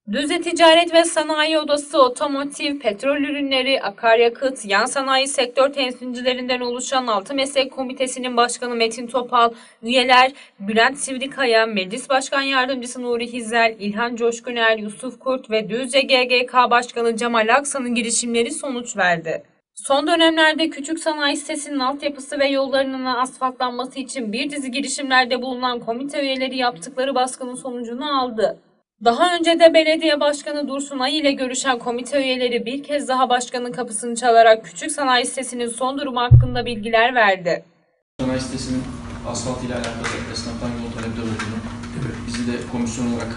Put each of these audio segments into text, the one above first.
Düzce Ticaret ve Sanayi Odası, otomotiv, petrol ürünleri, akaryakıt, yan sanayi sektör temsilcilerinden oluşan 6 Meslek Komitesi'nin başkanı Metin Topal, üyeler Bülent Sivrikaya, Meclis Başkan Yardımcısı Nuri Hizel, İlhan Coşkuner, Yusuf Kurt ve Düzce GGK Başkanı Cemal Aksan'ın girişimleri sonuç verdi. Son dönemlerde küçük sanayi sitesinin altyapısı ve yollarının asfaltlanması için bir dizi girişimlerde bulunan komite üyeleri yaptıkları baskının sonucunu aldı. Daha önce de belediye başkanı Dursun Ay ile görüşen komite üyeleri bir kez daha başkanın kapısını çalarak küçük sanayi sitesinin son durumu hakkında bilgiler verdi. Sanayi sitesinin asfalt ile alakalı esnaftan yol talepleri olduğunu, bizi de komisyon olarak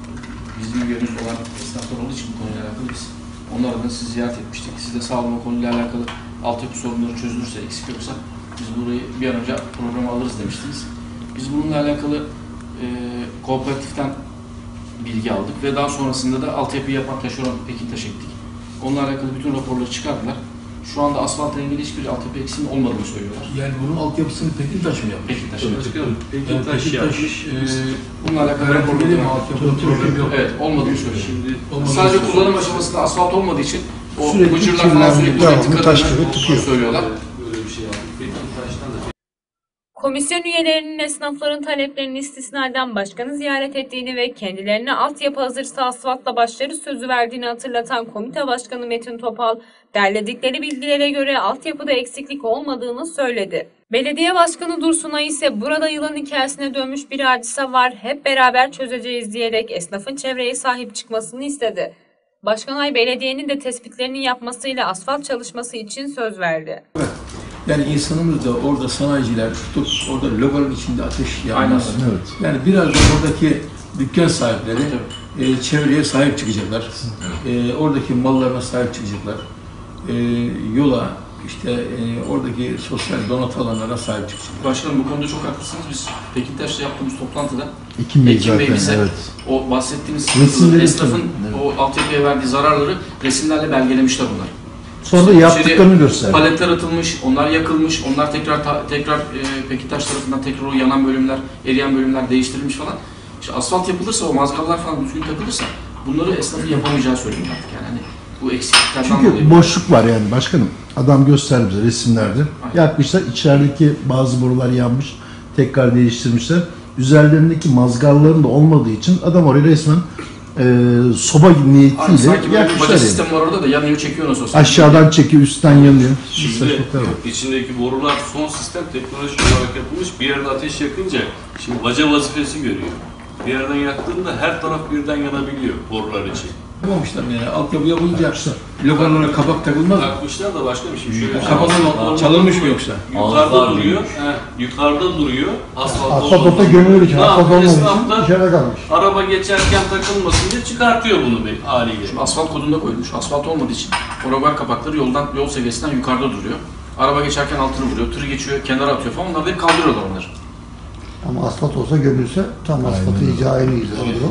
bizim üyemiz olan esnaflar olduğu için bu konuyla alakalı biz onlar adına sizi ziyaret etmiştik. Siz de sağ olun, konuyla alakalı altyapı sorunları çözülürse, eksik yoksa biz burayı bir an önce programa alırız demiştiniz. Biz bununla alakalı kooperatiften bilgi aldık ve daha sonrasında da altyapıyı yapan taşeron Pekintaş ettik. Onunla alakalı bütün raporları çıkardılar. Şu anda asfaltla ilgili hiçbir altyapı eksiğinin olmadığını söylüyorlar. Yani bunun altyapısını Pekintaş mı yapmış? Pekintaş Pekintaş yapmış. Bununla alakalı raporları yok. Evet, olmadığını söylüyor. Sadece kullanım aşamasında asfalt olmadığı için o bıcırlar falan sürekli tıkadığını söylüyorlar. Böyle bir şey aldık. Pekintaş'tan da Komisyon üyelerinin esnafların taleplerini istisnaden başkanı ziyaret ettiğini ve kendilerine altyapı hazırsa asfaltla başlarız sözü verdiğini hatırlatan komite başkanı Metin Topal, derledikleri bilgilere göre altyapıda eksiklik olmadığını söyledi. Belediye başkanı Dursun Ay ise burada yılan hikayesine dönmüş bir hadise var, hep beraber çözeceğiz diyerek esnafın çevreye sahip çıkmasını istedi. Başkan Ay belediyenin de tespitlerini yapmasıyla asfalt çalışması için söz verdi. Evet. Yani insanımız da orada sanayiciler tutup orada logonun içinde ateş yanmasın. Evet. Yani biraz da oradaki dükkan sahipleri çevreye sahip çıkacaklar. Oradaki mallarına sahip çıkacaklar. Yola, işte oradaki sosyal donat alanlara sahip çıkacaklar. Başkanım bu konuda çok haklısınız. Biz Pekintaş'ta yaptığımız toplantıda Ekim Bey bize o bahsettiğiniz esnafın o altyapıya verdiği zararları resimlerle belgelemişler bunlar. Sonra yaptıklarını gösterdi. Paletler atılmış, onlar yakılmış, onlar tekrar Pekintaş tarafından tekrar o yanan bölümler, eriyen bölümler değiştirilmiş falan. İşte asfalt yapılırsa, o mazgallar falan düzgün takılırsa bunları esnafın yapamayacağı söyleniyor artık yani. Hani bu eksikliklerden dolayı. Çünkü boşluk var yani başkanım. Adam gösterdi bize resimlerde. Aynen. Yakmışlar, içerideki bazı borular yanmış, tekrar değiştirmişler. Üzerlerindeki mazgalların da olmadığı için adam oraya resmen soba niyetiyle yakmışlar yani. Sistem var orada da yanıyor, çekiyor nasıl olsa. Aşağıdan çekiyor, üstten yanıyor. Şimdi içindeki borular son sistem teknolojik olarak yapılmış. Bir yerde ateş yakınca şimdi baca vazifesi görüyor. Bir yerden yaktığında her taraf birden yanabiliyor borular için. Yapamamışlar yani altyapı yapınca logonlara kapak takılmaz mı? Takmışlar da başka bir şey. Kapalı çalınmış mı yoksa? Yukarıda duruyor. Yukarıda duruyor. Asfalta gömülür için, asfalt olmadığı için içeride kalmış. Araba geçerken takılmasın diye çıkartıyor bunu bir haliyle. Şimdi asfalt kodunda koyulmuş. Asfalt olmadığı için o rögar kapakları yol seviyesinden yukarıda duruyor. Araba geçerken altını vuruyor, tır geçiyor, kenara atıyor falan. Onları da hep kaldırıyorlar onları. Ama asfalt olsa gömülse tam asfaltı icra en iyisi olur.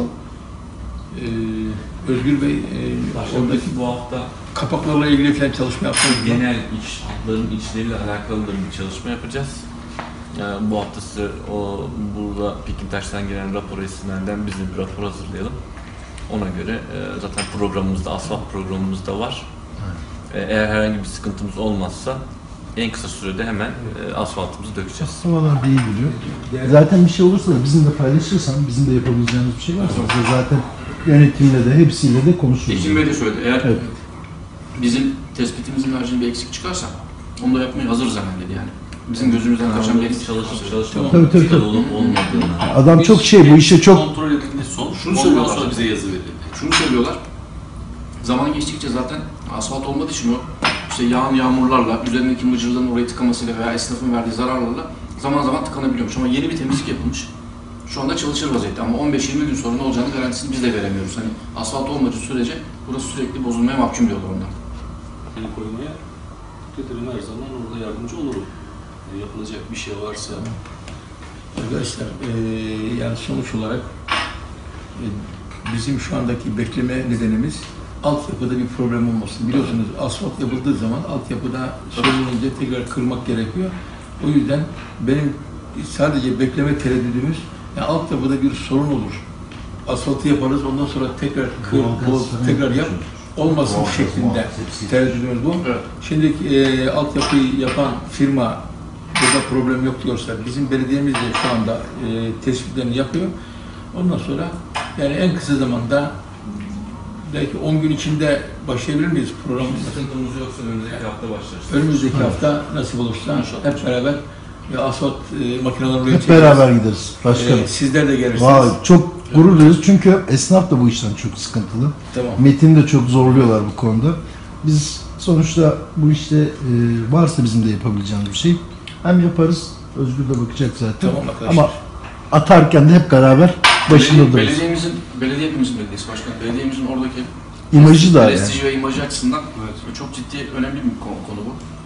Özgür Bey, oradaki bu hafta kapaklarla ilgili falan çalışma yaptınız mı? genel hatların içleriyle alakalı da bir çalışma yapacağız. Bu hafta size burada Pekintaş'tan gelen rapor esinlerden biz de bir rapor hazırlayalım. Ona göre zaten programımızda, asfalt programımızda var. Eğer herhangi bir sıkıntımız olmazsa en kısa sürede hemen asfaltımızı dökeceğiz. Havalar da iyi biliyor. Zaten bir şey olursa da bizimle paylaşırsan, bizim de yapabileceğimiz bir şey varsa zaten yönetimle de hepsiyle de konuşuruz. Ekim Bey de söyledi. Eğer bizim tespitimizin haricinde bir eksik çıkarsa onu da yapmaya hazırız hemen dedi yani. Bizim gözümüzden kaçan bir çalışma tabii. olmadığını. Adam çok bu işe çok kontrol edilmesi son. Şunu söylüyorlar. Sonra bize yazı verildi. Şunu söylüyorlar. Zaman geçtikçe zaten asfalt olmadığı için o işte yağmurlarla, üzerindeki mıcırların orayı tıkamasıyla veya esnafın verdiği zararlarla zaman zaman tıkanabiliyormuş. Ama yeni bir temizlik yapılmış. Şu anda çalışır vaziyette ama 15-20 gün sonra ne olacağını garantisini biz de veremiyoruz. Hani asfalt olmadığı sürece burası sürekli bozulmaya mahkum diyorlar onlar. El koymaya dedim her zaman orada yardımcı olurum. Yapılacak bir şey varsa. Arkadaşlar, yani sonuç olarak bizim şu andaki bekleme nedenimiz altyapıda bir problem olmasın. Biliyorsunuz asfalt yapıldığı zaman altyapıda sorulunca tekrar kırmak gerekiyor. O yüzden benim sadece bekleme tereddüdümüz, yani altyapıda bir sorun olur. asfaltı yaparız, ondan sonra tekrar kır, boz, tekrar yap, olmasın şeklinde tercihimiz bu. Evet. Şimdi altyapıyı yapan firma burada problem yok diyorsa, bizim belediyemiz de şu anda tespitlerini yapıyor. Ondan sonra yani en kısa zamanda belki 10 gün içinde başlayabilir miyiz programımıza? Sıkıntımız yoksa önümüzdeki hafta başlarız. Önümüzdeki hafta nasip olursa hep beraber asfalt makineleri oraya Hep beraber gideriz başkanım. Sizler de gelirsiniz. Vay, çok gurur duyuyoruz çünkü esnaf da bu işten çok sıkıntılı. Tamam. Metin de çok zorluyorlar bu konuda. Biz sonuçta bu işte varsa bizim de yapabileceğimiz bir şey. Hem yaparız, Özgür de bakacak zaten. Tamam arkadaşlar. Ama atarken de hep beraber başında dururuz. Belediye hepimizin belediyesi başkanım. Belediyemizin oradaki İmajı da yani. prestiji ve imajı açısından çok ciddi, önemli bir konu bu.